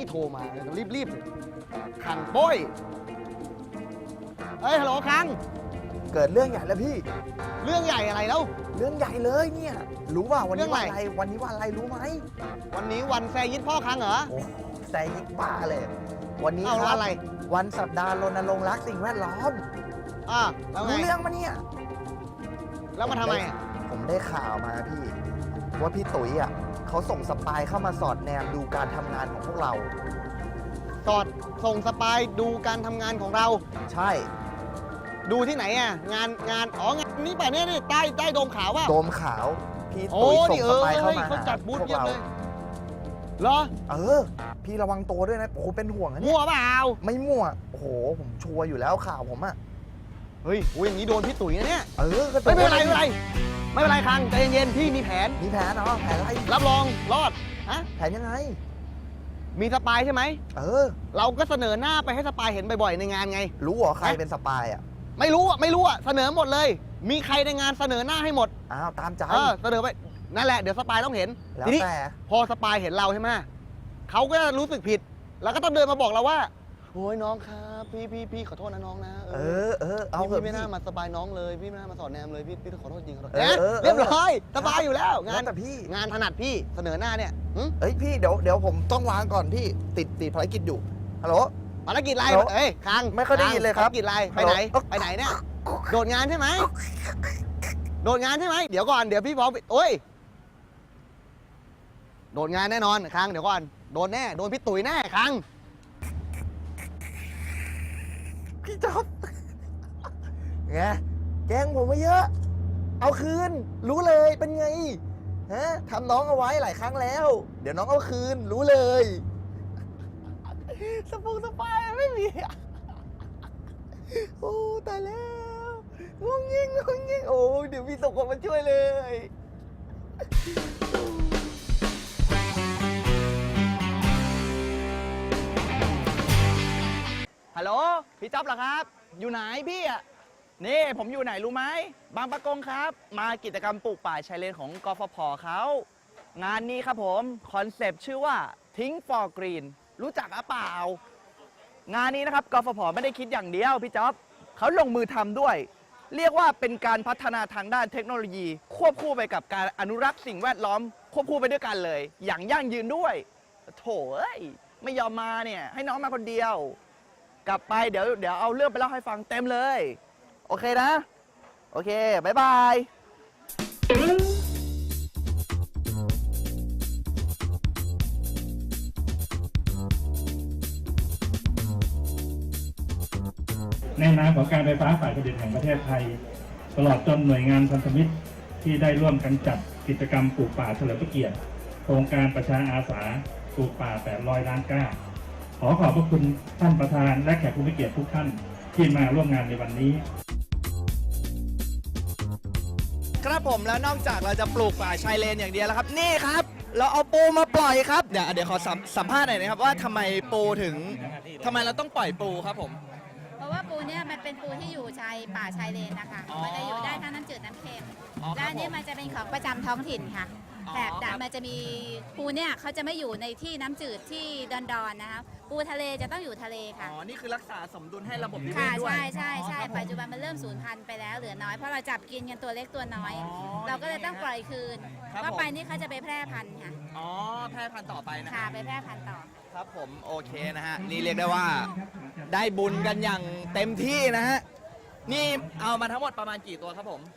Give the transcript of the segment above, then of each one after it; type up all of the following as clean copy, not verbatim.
โทรมารีบคังโป้ยฮัลโหลคังเกิดเรื่องใหญ่แล้วพี่เรื่องใหญ่อะไรแล้วเรื่องใหญ่เลยเนี่ยรู้ว่าวันนี้วันอะไรวันนี้วันอะไรรู้ไหมวันนี้วันแซยิดพ่อคังเหรอโอ้แซยิดบ้าเลยวันนี้ครับอะไรวันสัปดาห์รณรงค์รักสิ่งแวดล้อมแล้วไงรู้เรื่องมาเนี่ยแล้วมาทำไมผมได้ข่าวมาพี่ว่าพี่ตุ๋ยเขาส่งสปายเข้ามาสอดแนมดูการทำงานของพวกเราส่งสปายดูการทำงานของเราใช่ดูที่ไหนงานงานนี้ป่ะเนี่ยใต้โดมขาวว่ะโดมขาวพี่ตุ๋ยส่งสปายเข้ามาเขาจัดบูธเยอะเลยเหรอพี่ระวังตัวด้วยนะโอ้โหเป็นห่วงนะเนี่ยมั่วเปล่าไม่มั่วโอ้โหผมชัวร์อยู่แล้วข่าวผมเฮ้ยอย่างนี้โดนพี่ตุ๋ยนะเนี่ยไม่เป็นไรคังใจเย็นๆพี่มีแผนเนาะแผนอะไรรับรองรอดแผนยังไงมีสปายใช่ไหมเราก็เสนอหน้าไปให้สปายเห็นบ่อยๆในงานไงรู้เหรอใครเป็นสปายไม่รู้เสนอหมดเลยมีใครในงานเสนอหน้าให้หมดตามใจเสนอไปนั่นแหละเดี๋ยวสปายต้องเห็นทีนี้พอสปายเห็นเราใช่ไหมเขาก็รู้สึกผิดแล้วก็ต้องเดินมาบอกเราว่าโอ้ยน้องครับพี่ขอโทษนะน้องนะเอาพี่ไม่น่ามาสบายน้องเลยพี่ไม่น่ามาสอนแนมเลยพี่ขอโทษจริงเรียบร้อยสบายอยู่แล้วงานแต่พี่งานถนัดพี่เสนอหน้าเนี่ยพี่เดี๋ยวผมต้องวางก่อนพี่ติดภารกิจอยู่ฮัลโหลภารกิจอะไรคังไม่ค่อยได้ยินเลยครับภารกิจอะไรไปไหนเนี่ยโดดงานใช่ไหมโดดงานใช่ไหมเดี๋ยวก่อนเดี๋ยวพี่พร้อมโดดงานแน่นอนคังเดี๋ยวก่อนโดนแน่โดนพี่ตุ๋ยแน่คังพี่จ๊อบไงแกล้งผมมาเยอะเอาคืนรู้เลยเป็นไงทำน้องเอาไว้หลายครั้งแล้วเดี๋ยวน้องเอาคืนรู้เลยสปายไม่มีโอ้ตายแล้วงงงิ่งโอ้เดี๋ยวพี่ส่งคนมาช่วยเลยฮัลโหลพี่จ๊อบเหรอครับอยู่ไหนพี่นี่ผมอยู่ไหนรู้ไหมบางปะกงครับมากิจกรรมปลูกป่าชายเลนของกฟผ.เขางานนี้ครับผมคอนเซปต์ชื่อว่าทิ้ง for green รู้จักหรือเปล่างานนี้นะครับกฟผ.ไม่ได้คิดอย่างเดียวพี่จ๊อบเขาลงมือทำด้วยเรียกว่าเป็นการพัฒนาทางด้านเทคโนโลยีควบคู่ไปกับการอนุรักษ์สิ่งแวดล้อมควบคู่ไปด้วยกันเลยอย่างยั่งยืนด้วยโถไม่ยอมมาเนี่ยให้น้องมาคนเดียวกลับไปเดี๋ยวเอาเรื่องไปเล่าให้ฟังเต็มเลยโอเคนะโอเคบ๊ายบายในนามของการไฟฟ้าฝ่ายผลิตแห่งประเทศไทยตลอดจนหน่วยงานพันธมิตรที่ได้ร่วมกันจัดกิจกรรมปลูกป่าเฉลิมพระเกียรติโครงการประชาอาสาปลูกป่า800 ล้านก้าขอขอบพระคุณท่านประธานและแขกผู้มีเกียรติทุกท่านที่มาร่วมงานในวันนี้ครับผมแล้วนอกจากเราจะปลูกป่าชายเลนอย่างเดียวแล้วครับนี่ครับเราเอาปูมาปล่อยครับเดี๋ยวขอสัมภาษณ์หน่อยนะครับว่าทำไมเราต้องปล่อยปูครับผมเพราะว่าปูเนี่ยมันเป็นปูที่อยู่ชายป่าชายเลนนะคะมันจะอยู่ได้ทั้งน้ำจืดน้ำเค็มและนี่มันจะเป็นของประจำท้องถิ่นค่ะแต่มันจะมีปูเนี่ยเขาจะไม่อยู่ในที่น้ำจืดที่ดอนๆนะคะปูทะเลจะต้องอยู่ทะเลค่ะนี่คือรักษาสมดุลให้ระบบนิเวศด้วยใช่ปัจจุบันมันเริ่มสูญพันธุ์ไปแล้วเหลือน้อยเพราะเราจับกินกันตัวเล็กตัวน้อยเราก็เลยต้องปล่อยคืนว่าไปนี่เขาจะไปแพร่พันธุ์ค่ะแพร่พันธุ์ต่อไปนะค่ะไปแพร่พันธุ์ต่อครับผมโอเคนะฮะนี่เรียกได้ว่าได้บุญกันอย่างเต็มที่นะฮะนี่เอามาทั้งหมดประมาณกี่ตัวครับผม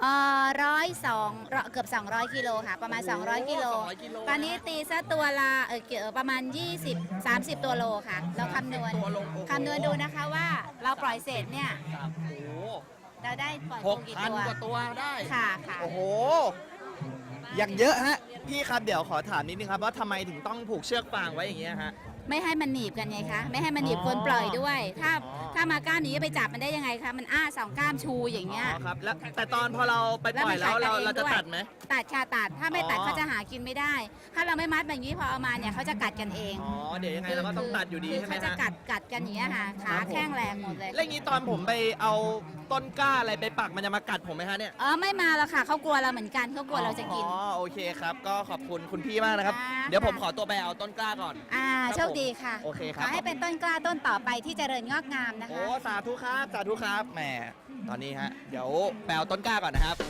เกือบ200 กิโลค่ะประมาณ200 กิโลตอนนี้ตีซะตัวละประมาณ20-30 ตัวโลค่ะเราคำนวณดูนะคะว่าเราปล่อยเศษเนี่ยเราได้ปล่อยกี่ตัว 6,000 กว่าตัวได้ค่ะโอ้โหอย่างเยอะฮะพี่ครับเดี๋ยวขอถามนิดนึงครับว่าทำไมถึงต้องผูกเชือกฟางไว้อย่างเงี้ยฮะไม่ให้มันหนีบกันไงคะไม่ให้มันหนีบคนปล่อยด้วยถ้ามาก้ามนี้ไปจับมันได้ยังไงคะมัน2 ก้ามชูอย่างเงี้ยครับแล้วแต่ตอนพอเราไปปล่อยแล้วเราจะตัดไหมตัดค่ะตัดถ้าไม่ตัดเขาจะหากินไม่ได้ ถ้าเราไม่มัดแบบนี้พอเอามาเนี่ยเขาจะกัดกันเองอ๋อเดี๋ยวยังไงเราก็ต้องตัดอยู่ดีคือใช่ไหมเขาจะฮะกัดกันอย่างนี้ยค่ะขาแข้งแรงหมดเลยแล้วอย่างนี้ตอนผมไปเอาต้นกล้าอะไรไปปักมันจะมากัดผมไหมฮะเนี่ยไม่มาแล้วค่ะเขากลัวเราเหมือนกันเขากลัวเราจะกินอ๋อโอเคครับก็ขอบคุณคุณพี่มากนะครับค่ะเดี๋ยวผมขอตัวไปเอาต้นกล้าก่อนโชคดีค่ะโอเคคขรับอให้เป็นต้นกล้าต้นต่อไปที่เจริญงอกงามนะคะโอ้สาธุครับสาธุครับแหมตอนนี้ฮะเดี๋ยวไปเอาต้นกล้าก่อนนะครับ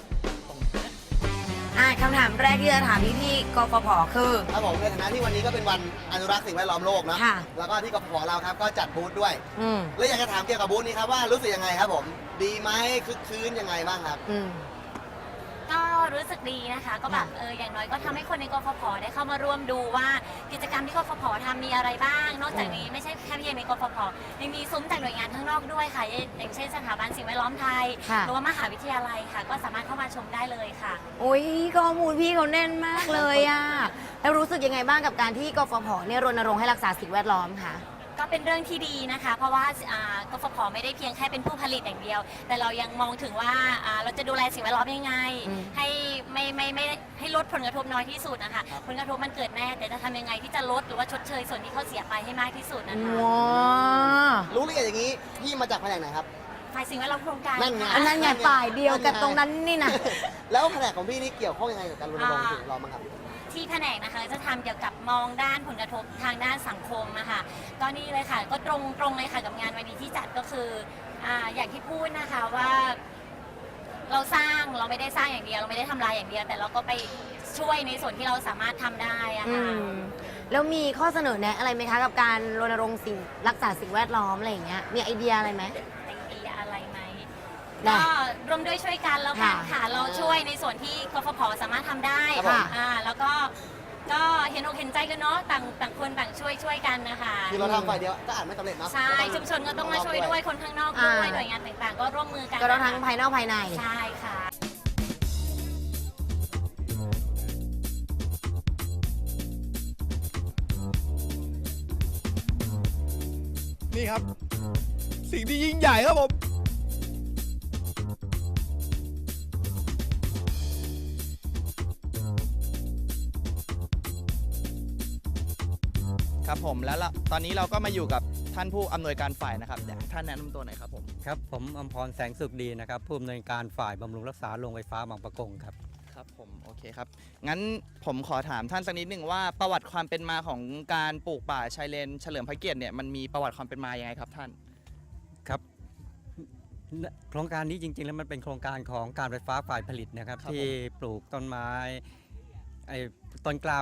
คำถามแรกที่จะถามพี่กฟผคือครับผมในฐานะที่วันนี้ก็เป็นวันอนุรักษ์สิ่งแวดล้อมโลกเนาะค่ะแล้วก็ที่กฟผเราครับก็จัดบูธด้วยอืมแล้วอยากจะถามเกี่ยวกับบูธนี้ครับว่ารู้สึกยังไงครับผม ดีไหมคึกคืนยังไงบ้างครับอืมก็รู้สึกดีนะคะ ก็แบบอย่างน้อยก็ทำให้คนในกฟผได้เข้ามาร่วมดูว่ากิจกรรมที่กฟผทำมีอะไรบ้าง นอกจากนี้ไม่ใช่แค่เพียงในกฟผยังมีซุ้มจากหน่วยงานข้างนอกด้วยค่ะอย่างเช่นสถาบันสิ่งแวดล้อมไทยค่ะหรือว่ามหาวิทยาลัยค่ะ ก็สามารถเข้ามาชมได้เลยค่ะโอ้ยข้อมูลพี่เขาแน่นมากเลยอะแล้วรู้สึกยังไงบ้างกับการที่กฟผเนี่ยรณรงค์ให้รักษาสิ่งแวดล้อมค่ะก็เป็นเรื่องที่ดีนะคะ เพราะว่ากฟผไม่ได้เพียงแค่เป็นผู้ผลิตอย่างเดียว แต่เรายังมองถึงว่าเราจะดูแลสิ่งแวดล้อมยังไงอืมให้ไม่ให้ลดผลกระทบน้อยที่สุดนะคะผลกระทบมันเกิดแน่แต่จะทำยังไงที่จะลดหรือว่าชดเชยส่วนที่เขาเสียไปให้มากที่สุดนะคะว้ารู้ละเอียดอย่างนี้พี่มาจากแผนกไหนครับฝ่ายสิ่งแวดล้อมโครงการนั่นไงค่ะอันนั้นไงฝ่ายเดียวกับตรงนั้นนี่นะแล้วแผนกของพี่นี่เกี่ยวข้องยังไงกับการรณรงค์สิ่งแวดล้อมบ้างครับที่แผนกนะคะจะทำเกี่ยวกับมองด้านผลกระทบทางด้านสังคมนะคะก็นี่เลยค่ะก็ตรงเลยค่ะกับงานวันนี้ที่จัดก็คืออย่างที่พูดนะคะว่าเราไม่ได้สร้างอย่างเดียวเราไม่ได้ทำลายอย่างเดียว แต่เราก็ไปช่วยในส่วนที่เราสามารถทำได้อะอืค่ะม แล้วมีข้อเสนอแนะอะไรไหมคะกับการรณรงค์รักษาสิ่งแวดล้อมอะไรอย่างเงี้ย มีไอเดียอะไรไหมไอเดียอะไรไหมได้ก็ร่วมด้วยช่วยกันแล้วกันค่ะค่ะเราช่วยในส่วนที่กฟผสามารถทำได้ค่ะแล้วก็เห็นอกเห็นใจกันเนาะต่างคนต่างช่วยกันนะคะคือเราทำฝ่ายเดียวก็อาจไม่สำเร็จเนาะใช่ชุมชนก็ต้องมาช่วยด้วยคนข้างนอกด้วยหน่วยงานต่างๆ ก็ร่วมมือกันก็ต้องทั้งภายนอกภายในใช่ค่ะนี่ครับ สิ่งที่ยิ่งใหญ่ครับผม ครับผมแล้วตอนนี้เราก็มาอยู่กับท่านผู้อำนวยการฝ่ายนะครับอยากให้ท่านแนะนำตัวหน่อยครับผมครับผมอมพรแสงสุขดีนะครับผู้อำนวยการฝ่ายบำรุงรักษาโรงไฟฟ้าบางปะกงครับครับผมโอเคครับ งั้นผมขอถามท่านสักนิดหนึ่งว่าประวัติความเป็นมาของการปลูกป่าชายเลนเฉลิมพระเกียรติเนี่ยมันมีประวัติความเป็นมายังไงครับท่านครับโครงการนี้จริงๆแล้วมันเป็นโครงการของการไฟฟ้าฝ่ายผลิตนะครับครับที่ปลูกต้นไม้ไอ้ต้นกล้า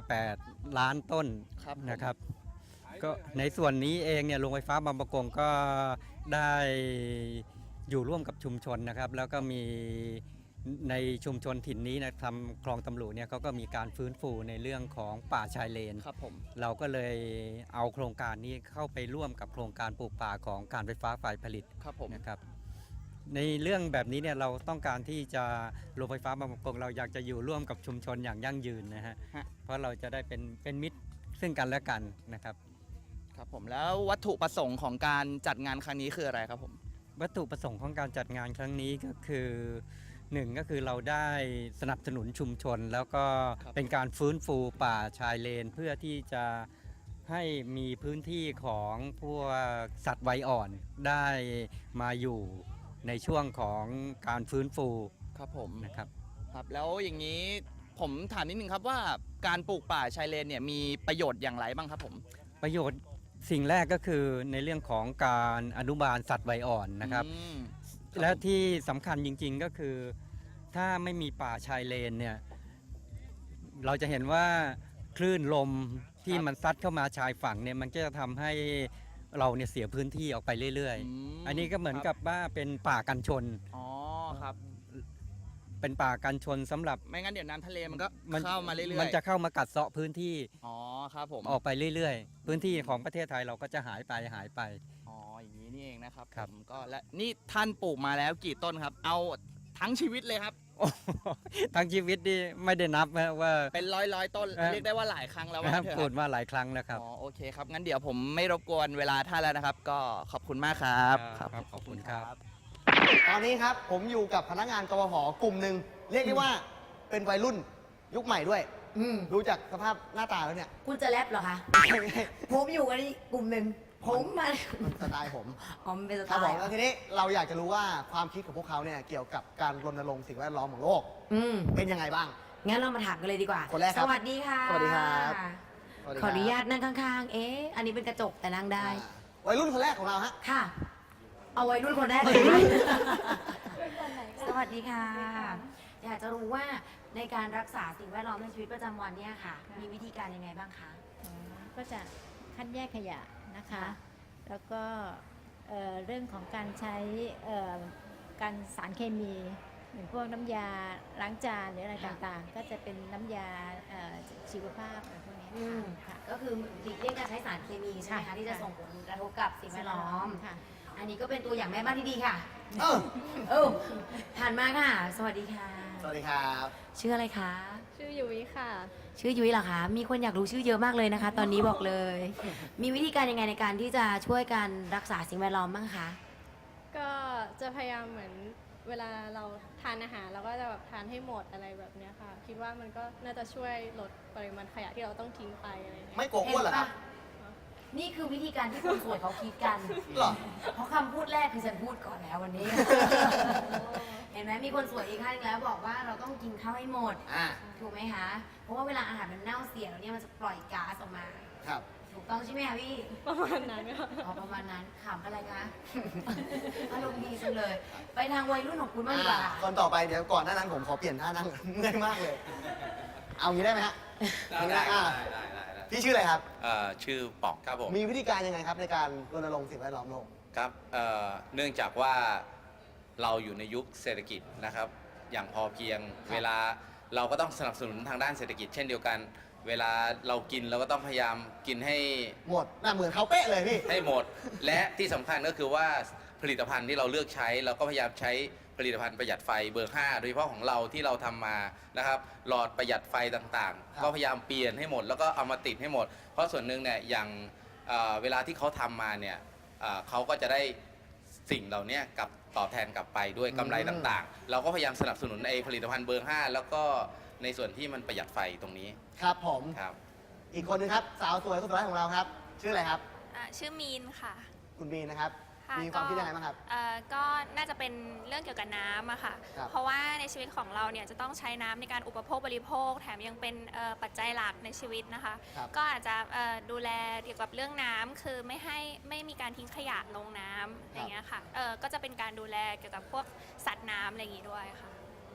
8 ล้านต้นครับผมนะครับก็ในส่วนนี้เองเนี่ยโรงไฟฟ้าบางปะกงก็ได้อยู่ร่วมกับชุมชนนะครับ แล้วก็มีในชุมชนถิ่นนี้นะทำคลองตำรุเนี่ยเขาก็มีการฟื้นฟูในเรื่องของป่าชายเลนครับผมเราก็เลยเอาโครงการนี้เข้าไปร่วมกับโครงการปลูกป่าของการไฟฟ้าฝ่ายผลิตครับผมนะครับในเรื่องแบบนี้เนี่ยเราต้องการที่จะโรงไฟฟ้าบางปะกงเราอยากจะอยู่ร่วมกับชุมชนอย่างยั่งยืนนะฮะเพราะเราจะได้เป็นมิตรซึ่งกันและกันนะครับครับผมแล้ววัตถุประสงค์ของการจัดงานครั้งนี้คืออะไรครับผมวัตถุประสงค์ของการจัดงานครั้งนี้ก็คือหนึ่งก็คือเราได้สนับสนุนชุมชน แล้วก็เป็นการฟื้นฟูป่าชายเลน เพื่อที่จะให้มีพื้นที่ของพวกสัตว์วัยอ่อนได้มาอยู่ในช่วงของการฟื้นฟูครับผมนะครับครับแล้วอย่างนี้ผมถามนิดนึงครับว่าการปลูกป่าชายเลนเนี่ยมีประโยชน์อย่างไรบ้างครับผมประโยชน์สิ่งแรกก็คือในเรื่องของการอนุบาลสัตว์วัยอ่อนนะครับอืมและที่สำคัญจริงๆก็คือถ้าไม่มีป่าชายเลนเนี่ยเราจะเห็นว่าคลื่นลมที่มันซัดเข้ามาชายฝั่งเนี่ยมันก็จะทำให้เราเนี่ยเสียพื้นที่ออกไปเรื่อยมๆ อันนี้ก็เหมือนกับว่าเป็นป่ากันชนอ๋อครับเป็นป่ากันชนสำหรับไม่งั้นเดี๋ยวน้ำทะเลมันก็มันเข้ามาเรื่อยๆมันจะเข้ามากัดเซาะพื้นที่อ๋อครับผมออกไปเรื่อยๆ พื้นที่ของประเทศไทยเราก็จะหายไปอ๋ออย่างนี้นี่เองนะครับครับผมก็และนี่ท่านปลูกมาแล้วกี่ต้นครับ เอาทั้งชีวิตเลยครับทั้งชีวิตนี่ไม่ได้นับนะว่าเป็นร้อยต้นครับเรียกได้ว่าหลายครั้งแล้วว่านะครับเถอะปลูคกรับมาหลายครั้งแล้วครับอ๋อโอเคครับงั้นเดี๋ยวผมไม่รบกวนเวลาท่านแล้วนะครับ ก็ขอบคุณมากครับครับขอบคุณครับตอนนี้ครับผมอยู่กับพนักงานกฟผกลุ่มหนึ่งเรียกได้ว่าเป็นวัยรุ่นยุคใหม่ด้วยอืมดูจากสภาพหน้าตาแล้วเนี่ยคุณจะแรปเหรอคะ ผมอยู่กันอีกกลุ่มหนึ่งผมมามันสไตล์ผมอ๋อมันเป็นสคไตรับผมล์แล้วทีนี้เราอยากจะรู้ว่าความคิดของพวกเขาเนี่ยเกี่ยวกับการรณรงค์สิ่งแวดล้อมของโลกอืมเป็นยังไงบ้างงั้นเรามาถามกันเลยดีกว่าคนแรกครับสวัสดีค่ะสวัสดีครับสวัสดีขคอรับอนุญาตนั่งข้างๆ เอ๊ะ อันนี้เป็นกระจกแต่นั่งได้วัยรุ่นคนแรกของเราฮะค่ะ เอาไว้รุ่นคนแรกเลยไหมสวัสดีค่ะ อยากจะรู้ว่าในการรักษาสิ่งแวดล้อมในชีวิตประจำวันเนี่ยค่ะ มีวิธีการยังไงบ้างคะก็จะคัดแยกขยะนะคะ แล้วก็เรื่องของการใช้การสารเคมีอย่างพวกน้ำยาล้างจานหรืออะไรต่างๆ ก็จะเป็นน้ำยาชีวภาพอะไรพวกนี้อืมค่ะก็คือหลีกเลี่ยงการใช้สารเคมีใช่ไหมคะที่จะส่งผลกระทบกับสิ่งแวดล้อมค่ะอันนี้ก็เป็นตัวอย่างแม่บ้านที่ดีค่ะเออเออผ่านมาค่ะ สวัสดีค่ะสวัสดีครับชื่ออะไรคะชื่อยุ้ยค่ะชื่อยุ้ยเหรอคะ มีคนอยากรู้ชื่อเยอะมากเลยนะคะ ตอนนี้บอกเลย มีวิธีการยังไงในการที่จะช่วยการรักษาสิ่งแวดล้อมบ้างคะก็จะพยายามเหมือนเวลาเราทานอาหารเราก็จะแบบทานให้หมดอะไรแบบเนี้ยค่ะ คิดว่ามันก็น่าจะช่วยลดปริมาณขยะที่เราต้องทิ้งไปอะไรอย่างเงี้ยไม่โกงอ้วนเหรอครับนี่คือวิธีการที่คนสวยเขาคิดกันเหรอเพราะคำพูดแรกคือฉันพูดก่อนแล้ววันนี้ เห็นไหมมีคนสวยอีกท่านหนึ่งแล้วบอกว่าเราต้องกินข้าวให้หมดอ่าถูกไหมคะ เพราะว่าเวลาอาหารมันเน่าเสียแล้วเนี่ยมันจะปล่อยก๊าซออกมาครับถูกต้องใช่ไหมคะพี่ประมาณนั้นค่ะอ๋อประมาณนั้นขำอะไรคะ อารมณ์ดีจังเลย ไปทางวัยรุ่นของคุณบ้างดีกว่าคนต่อไปเดี๋ยวก่อนหน้านั้นผมขอเปลี่ยนท่านั่ง เมื่อยมากเลย เอางี้ได้ไหมฮะได้พี่ชื่ออะไรครับชื่อป๋องครับผมมีวิธีการยังไงครับในการรณรงค์สิ่งแวดล้อมโลกครับเนื่องจากว่าเราอยู่ในยุคเศรษฐกิจนะครับ อย่างพอเพียงครับเวลาเราก็ต้องสนับสนุนทางด้านเศรษฐกิจ เช่นเดียวกัน เวลาเรากินเราก็ต้องพยายามกินให้หมดน่าเหมือนเขาเป๊ะเลยพี่ให้หมด และที่สำคัญก็คือว่าผลิตภัณฑ์ที่เราเลือกใช้ เราก็พยายามใช้ผลิตภัณฑ์ประหยัดไฟเบอร์ 5 โดยเฉพาะของเราที่เราทำมานะครับหลอดประหยัดไฟต่างครับๆ ก็พยายามเปลี่ยนให้หมด แล้วก็เอามาติดให้หมด เพราะส่วนหนึ่งเนี่ยอย่างเวลาที่เขาทำมาเนี่ยเขาก็จะได้สิ่งเหล่านี้กลับตอบแทนกลับไปด้วยกำไรต่างๆ เราก็พยายามสนับสนุนไอ้ผลิตภัณฑ์เบอร์ 5 แล้วก็ในส่วนที่มันประหยัดไฟตรงนี้ครับผมครับอีกคนนึงครับ สาวสวยคนสุดท้ายของเราครับ ชื่ออะไรครับชื่อมีนค่ะคุณบีนะครับค่ะมีความคิดยังไงบ้างครับก็น่าจะเป็นเรื่องเกี่ยวกับน้ำอะค่ะครับเพราะว่าในชีวิตของเราเนี่ยจะต้องใช้น้ำในการอุปโภคบริโภค แถมยังเป็นปัจจัยหลักในชีวิตนะคะครับก็อาจจะดูแลเกี่ยวกับเรื่องน้ำคือไม่มีการทิ้งขยะลงน้ำอย่างเงี้ยค่ะก็จะเป็นการดูแลเกี่ยวกับพวกสัตว์น้ำอะไรอย่างงี้ด้วยค่ะ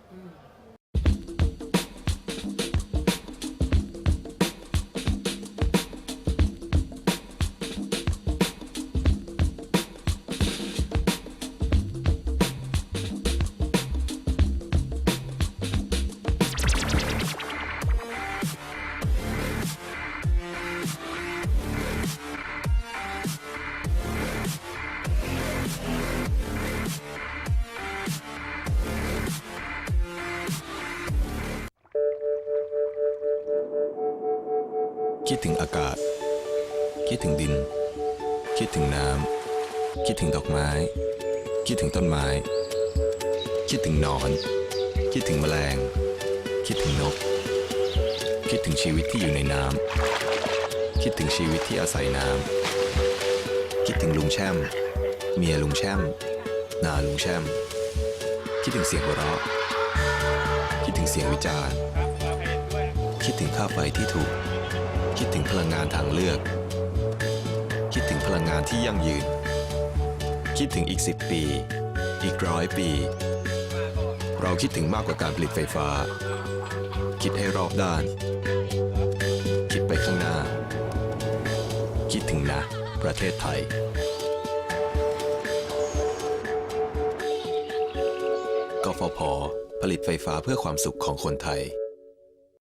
คิดถึงอากาศ คิดถึงดิน คิดถึงน้ำ คิดถึงดอกไม้ คิดถึงต้นไม้ คิดถึงหนอน คิดถึงแมลง คิดถึงนก คิดถึงชีวิตที่อยู่ในน้ำ คิดถึงชีวิตที่อาศัยน้ำ คิดถึงลุงแช่ม เมียลุงแช่ม นาลุงแช่ม คิดถึงเสียงหัวเราะ คิดถึงเสียงวิจารณ์ คิดถึงค่าไฟที่ถูก คิดถึงพลังงานทางเลือก คิดถึงพลังงานที่ยั่งยืน คิดถึงอีก10 ปี อีก100 ปี เราคิดถึงมากกว่าการผลิตไฟฟ้า คิดให้รอบด้าน คิดไปข้างหน้า คิดถึงนะ ประเทศไทย กฟผ. ผลิตไฟฟ้าเพื่อความสุขของคนไทย